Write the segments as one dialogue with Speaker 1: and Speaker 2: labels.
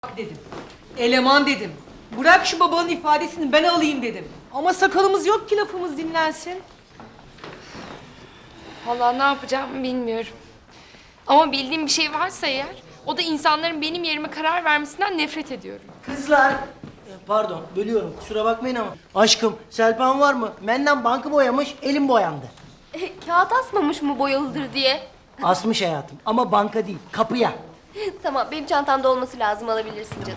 Speaker 1: dedim. Eleman dedim. Bırak şu babanın ifadesini ben alayım dedim. Ama sakalımız yok ki lafımız dinlensin.
Speaker 2: Vallahi ne yapacağımı bilmiyorum. Ama bildiğim bir şey varsa eğer, o da insanların benim yerime karar vermesinden nefret ediyorum.
Speaker 3: Kızlar, pardon bölüyorum kusura bakmayın ama. Aşkım, Selpan var mı? Benden bankı boyamış, elim boyandı.
Speaker 4: Kağıt asmamış mı boyalıdır diye?
Speaker 3: Asmış hayatım ama banka değil, kapıya.
Speaker 4: Tamam, benim çantamda olması lazım, alabilirsin canım.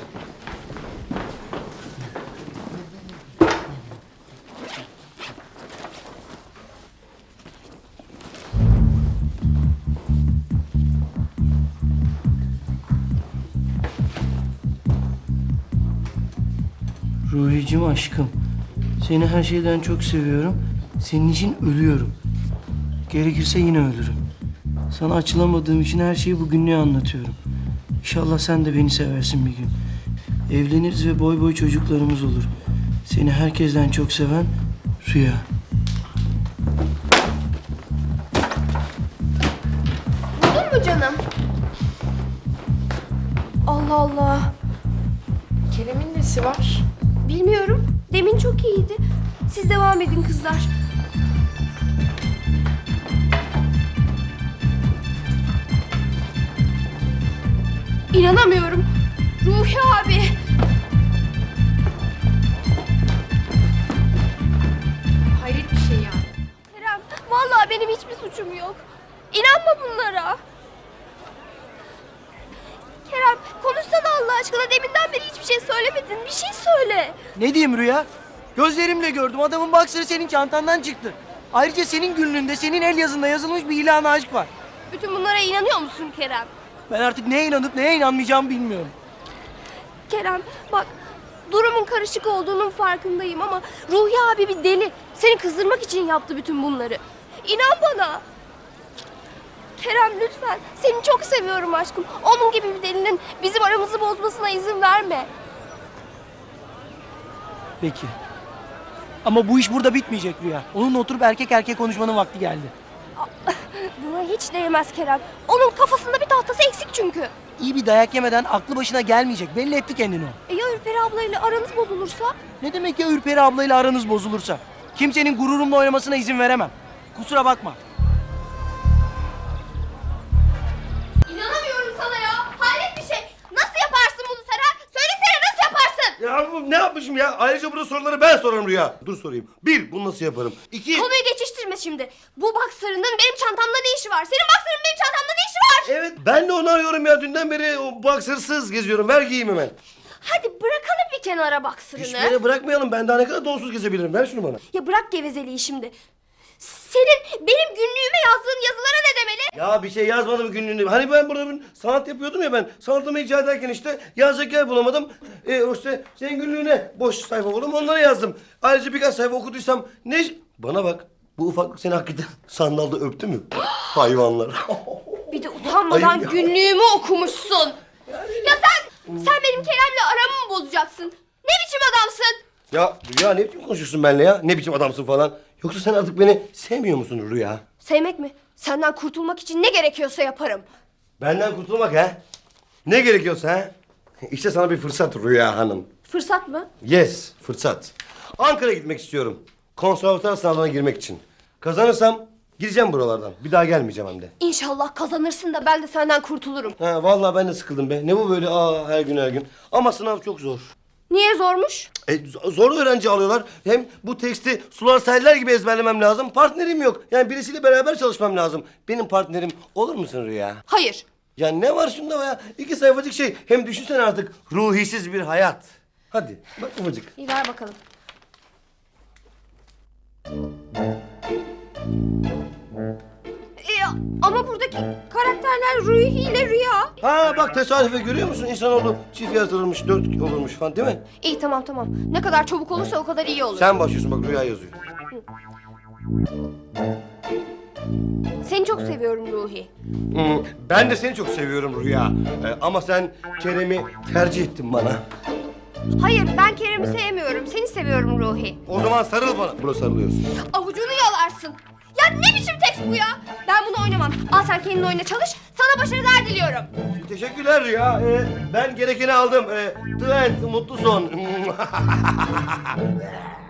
Speaker 3: Ruhicim aşkım, seni her şeyden çok seviyorum. Senin için ölüyorum. Gerekirse yine ölürüm. Sana açılamadığım için her şeyi bu günlüğe anlatıyorum. İnşallah sen de beni seversin bir gün. Evleniriz ve boy boy çocuklarımız olur. Seni herkesten çok seven Rüya.
Speaker 4: Buldun mu canım? Allah Allah.
Speaker 2: Kerem'in nesi var?
Speaker 4: Bilmiyorum. Demin çok iyiydi. Siz devam edin kızlar. İnanamıyorum. Ruhi abi.
Speaker 2: Hayret bir şey yani.
Speaker 4: Kerem, vallahi benim hiçbir suçum yok. İnanma bunlara. Kerem, konuşsana Allah aşkına. Deminden beri hiçbir şey söylemedin. Bir şey söyle.
Speaker 3: Ne diyeyim Rüya? Gözlerimle gördüm. Adamın boxer'ı senin çantandan çıktı. Ayrıca senin günlüğünde, senin el yazında yazılmış bir ilan aşk var.
Speaker 4: Bütün bunlara inanıyor musun Kerem?
Speaker 3: Ben artık neye inanıp neye inanmayacağımı bilmiyorum.
Speaker 4: Kerem, bak, durumun karışık olduğunun farkındayım ama Ruhi abi bir deli. Seni kızdırmak için yaptı bütün bunları. İnan bana. Kerem lütfen. Seni çok seviyorum aşkım. Onun gibi bir delinin bizim aramızı bozmasına izin verme.
Speaker 3: Peki. Ama bu iş burada bitmeyecek Rüya. Onunla oturup erkek erkek konuşmanın vakti geldi.
Speaker 4: Buna hiç değmez Kerem. Onun kafasında bir tahtası eksik çünkü.
Speaker 3: İyi bir dayak yemeden aklı başına gelmeyecek. Belli etti kendini o.
Speaker 4: Ya Ürperi ablayla aranız bozulursa?
Speaker 3: Ne demek ya Ürperi ablayla aranız bozulursa? Kimsenin gururumla oynamasına izin veremem. Kusura bakma.
Speaker 4: İnanamıyorum sana ya. Hayret bir şey. Nasıl yaparsın bunu sen ha? Söylesene, nasıl yaparsın?
Speaker 5: Ya bu ne yapmışım ya? Ayrıca burada soruları ben sorarım Rüya. Dur sorayım. Bir, bunu nasıl yaparım? İki...
Speaker 4: Konuyu geçiştirme şimdi. Bu boxer'ının benim çantamda ne işi var? Senin boxer'ın benim çantamda ne işi var?
Speaker 5: Evet, ben de onu arıyorum ya. Dünden beri o boxersız geziyorum. Ver giyeyim hemen.
Speaker 4: Hadi bırakalım bir kenara boxer'ını.
Speaker 5: Hiçbir yere bırakmayalım. Ben daha ne kadar donsuz gezebilirim. Ver şunu bana.
Speaker 4: Ya bırak gevezeliği şimdi. Senin benim günlüğüme yazdığın yazılara ne demeli?
Speaker 5: Ya bir şey yazmadım günlüğünde. Hani ben burada bir sanat yapıyordum ya ben. Sanatımı icra ederken işte yazacak yer bulamadım. İşte senin günlüğüne boş sayfa buldum. Onları yazdım. Ayrıca birkaç sayfa okuduysam ne... Bana bak. Bu ufaklık seni hakikaten sandalda öptü mü? Hayvanlar.
Speaker 4: Bir de utanmadan
Speaker 5: Ay ya.
Speaker 4: günlüğümü okumuşsun. Ya sen benim Kerem'le aramı mı bozacaksın? Ne biçim adamsın?
Speaker 5: Ya Rüya ne biçim konuşuyorsun benimle ya? Ne biçim adamsın falan? Yoksa sen artık beni sevmiyor musun Rüya?
Speaker 4: Sevmek mi? Senden kurtulmak için ne gerekiyorsa yaparım.
Speaker 5: Benden kurtulmak ha? Ne gerekiyorsa ha? İşte sana bir fırsat Rüya Hanım.
Speaker 4: Fırsat mı?
Speaker 5: Yes, fırsat. Ankara'ya gitmek istiyorum. Konservatuar sınavına girmek için. Kazanırsam gideceğim buralardan. Bir daha gelmeyeceğim hem de.
Speaker 4: İnşallah kazanırsın da ben de senden kurtulurum.
Speaker 5: Ha, vallahi ben de sıkıldım be. Ne bu böyle her gün her gün. Ama sınav çok zor.
Speaker 4: Niye zormuş?
Speaker 5: Zor öğrenci alıyorlar. Hem bu teksti sular seller gibi ezberlemem lazım. Partnerim yok. Yani birisiyle beraber çalışmam lazım. Benim partnerim olur musun Rüya?
Speaker 4: Hayır.
Speaker 5: Ya ne var şunda ya? 2 sayfacık şey. Hem düşünsene artık ruhisiz bir hayat. Hadi bak ufacık.
Speaker 4: İyi ver bakalım. Ama buradaki karakterler Ruhi ile Rüya.
Speaker 5: Ha bak tesadüfe görüyor musun? İnsanoğlu çift yaratılırmış, 4 olurmuş falan değil mi?
Speaker 4: İyi tamam. Ne kadar çabuk olursa o kadar iyi olur.
Speaker 5: Sen başlıyorsun bak Rüya yazıyor.
Speaker 4: Seni çok seviyorum Ruhi.
Speaker 5: Ben de seni çok seviyorum Rüya. Ama sen Kerem'i tercih ettin bana.
Speaker 4: Hayır, ben Kerem'i sevmiyorum. Seni seviyorum Ruhi.
Speaker 5: O zaman sarıl bana. Buna sarılıyorsun.
Speaker 4: Avucunu yalarsın. Ya Ya ne biçim tekst bu ya? Ben bunu oynamam. Al sen kendin oyna çalış. Sana başarılar diliyorum.
Speaker 5: Teşekkürler Rüya. Ben gerekeni aldım. Trent, mutlu son.